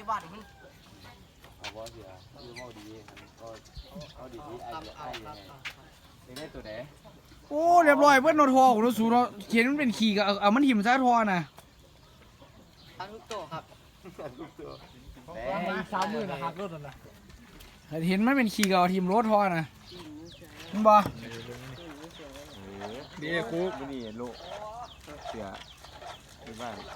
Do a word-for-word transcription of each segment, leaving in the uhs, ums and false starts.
บ้านมันเอาว่าเสียคือว่าดีก็เอาดีที่ไอ้ไอ้ยังไงยังได้ตัวไหนโอ้เรียบร้อยเพื่อนโนทอของรถสูเนาะเขียนมันเป็นขี่กับเอามันหิมซะทอน่ะทั้งทุกตัวครับทุกตัวแต่สามหมื่นนะครับรถน่ะเห็นมันเป็นขี่กับทีมรถทอน่ะมึงบ่ดีคุกนี่โลเสียที่บ้าน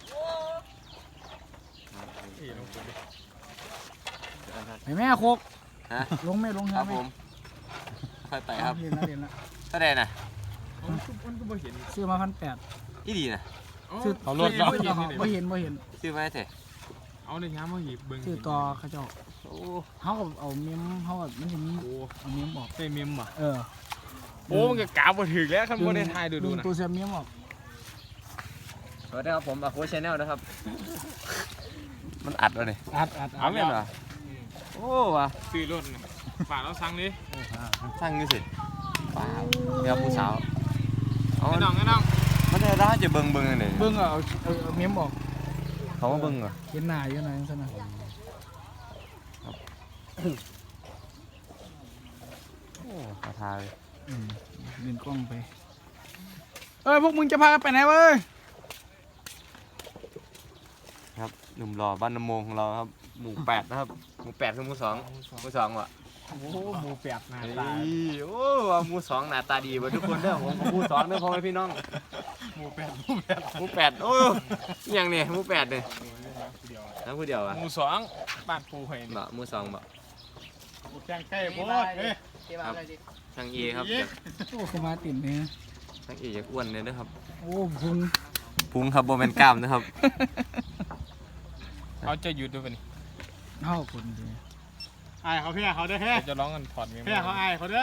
ไอ้แม่โคกฮะลงแม่ลงครับผมค่อยไปครับเรียนนะเรียนนะแสดงนะซื้อมาพันแปดที่ดีนะซื้อเอารถเราไม่เห็นไม่เห็นซื้อมาเถอะเอาในย้ำมาหยิบเบิ้งซื้อต่อเขาเจ้าเขากับเอาเมมเขากับมันจะมีเอาเมมออกใส่เมมอ่ะเออโอ้มันก็กาบถึงแล้วขั้นบนในไทยดูดูนะตัวเสียเมมออกสวัสดีครับผมอาโค้ชแนลนะครับมันอัดเลยอัดอัดเอาไม่เหรอโอ้ว่ะซื้อรถฝากเราสั่งดิสั่งนี่สิป่าเดี๋ยวผู้สาวเอาไอ้น้องไอ้น้องมันจะร้าจะเบิ้งเบิ้งอะไรเบิ้งเอาเอาเมมออกเขาว่าเบิ้งเหรอเห็นหน้าอยู่ไหนซะนะโอ้ขอทาเลยเดินกล้องไปเอ้ยพวกมึงจะพากันไปไหนเว้ยครับหนุ่มหล่อบ้านน้ำมงของเราครับหมู่แปดนะครับหมู่แปดคือหมู่สองหมู่สองวะโอ้หมู่แปดหน้าตาโอ้หมู่สองหน้าตาดีกว่าทุกคนเด้อผมหมู่สองเด้อพ่อแม่พี่น้องหมู่แปดหมู่แปดหมู่แปดโอ้ยังเนี่ยหมู่แปดเนี่ยนั่งผู้เดียวอ่ะหมู่สองบ้านปูเห็นบ่หมู่สองบ่แข่งใกล้โพดเฮ้ยทางเอครับโอ้ขมาติ่มเนี่ยทางเอจะอ้วนเลยนะครับโอ้พุงพุงครับโบแมนกล้ามนะครับเขาจะหยุดด้วยป่ะนี่เท่าคนดีไอ้เขาเพี่เขาได้แค่จะร้องกันถอดเมียเพี่เขาไอ้เขาเด้อ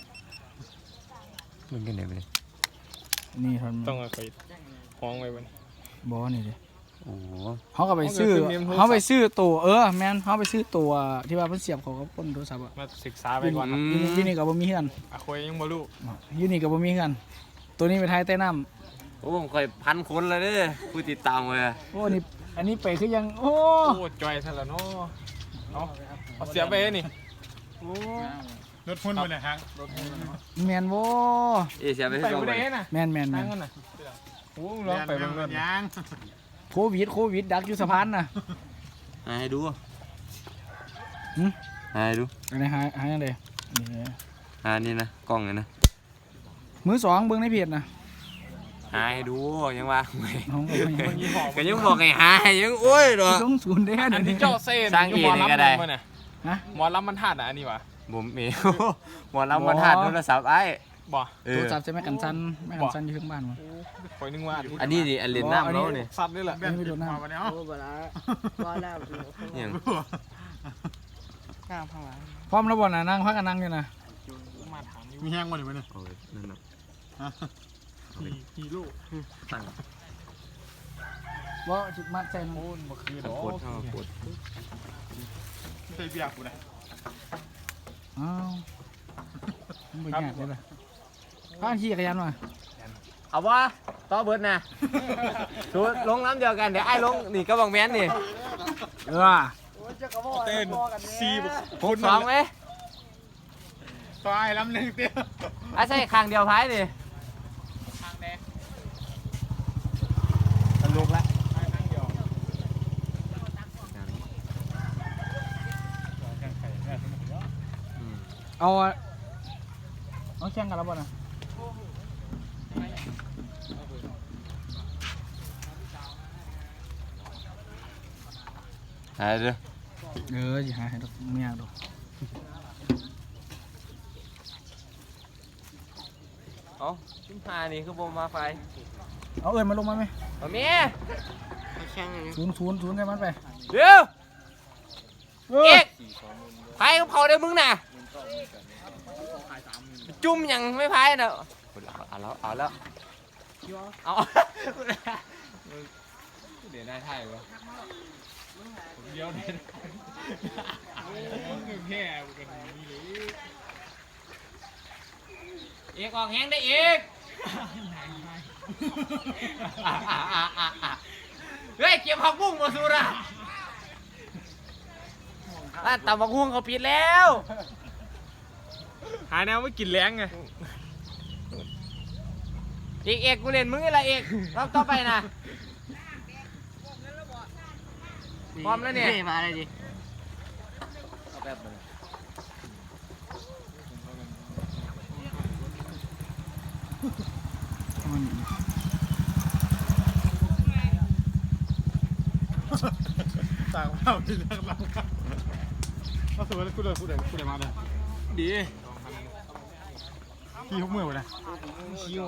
มึงกันไหนไปนี่ทำต้องเอาไปห้องไว้บนบอนี่ดิโอ้เขาก็ไปซื้อเขาไปซื้อตัวเออแมนเขาไปซื้อตัวที่ว่าเพิ่นเสียบเขาก็พ่นโทรศัพท์อะมาศึกษาไปก่อนยูนี่กับบ่มีเฮือนอะคุยยังบ่รู้ยูนี่กับบ่มีเฮือนตัวนี้ไปไทยใต้น้ำโอ้ผมเคยพันคนเลยเด้ผู้ติดตามเลยโอ้นี่อันนี้ไปคือยังโอ้โอ้จอยซะแล้วเนาะเอาเอาเสียไปนี่โอ้รถพุ่นไปเลยฮะรถพุ่นแมนโว้เอเสียไปที่ตรงไหนแมนแมนแมนโอ้ลองไปเบิ่งรถยางโควิดโควิดดักอยู่สะพานน่ะให้ดูให้ดูอันไหนหายหายยังไงนี่หานี่นะกล้องเลยนะมือสองเบิ้งในเพจนะหาให้ดูยังว่าก็ยังบอกไงหายังโอ้ยหรอต้องศูนย์ได้อันนี้เจ้าเซ่สร้างเองก็ได้ฮะหมอลำมันทาดอ่ะอันนี้วะผมเมย์หมอลำมันทาดโทรศัพท์ไอ้บ่โทรศัพท์ใช่ไหมกันสั้นไม่กันสั้นอยู่ข้างบ้านมั้งคอยนึกว่าอันนี้ดิอันเลนน้ำแล้วนี่ซัดนี่แหละไม่โดนน้ำโอ้บ่ละบ่แล้วยังข้างข้างหลังพร้อมแล้วบ่น่ะนั่งพักกันนั่งอยู่นะมีแห้งมาหรือไม่เนี่ยโอ้ยนั่นน่ะฮีโร่ตั้งว่าจุดมัดใจโอนมาคืนปวดท้องปวดใส่เบียร์กูนะอ้าวมันเป็นยังไงเลยข้างขี่จักรยานมาเอาวะต่อเบิร์ดนะชูลงน้ำเดียวกันเดี๋ยวไอ้ลงนี่ก็บอกแมนนี่เออเต้นซีผมสองไหมต่อไอ้ลำหนึ่งเตี้ยไอ้ใช่คางเดียวพายดิคางแดงสนุกละเอาเอาแข่งกันแล้วบ่นะหายเลยเออจะหายดอกไม่ยากดอกเอาชิ้นพานี่คือโบมาไฟเอาเอิญมาลงมาไหมเอาเมียศูนย์ศูนย์ศูนย์ได้มันไปเดี๋ยวเอกไพ่เขาได้มึงน่ะจุ่มยังไม่ไพ่เนอะเอาแล้วเอาแล้วเอาเดี๋ยวได้ไทยวะเดี๋ยวเดี๋ยวแค่กันนี่เลยเอกออกแห้งได้อีกเฮ้ยเก็บผักบุ้งมาสูระร้านตำบักหุ่งเขาปิดแล้วหาแนวไม่กินแรงไงเอกเอกกูเล่นมึงอะไรเอกรอบต่อไปนะพร้อมแล้วเนี่ยมาเลยดิเอาแบบนึงต่างเราที่เรื่องเราก็สวยแล้วกูเลยกูเลยกูเลยมาเลยดีพี่ยกมือไปนะ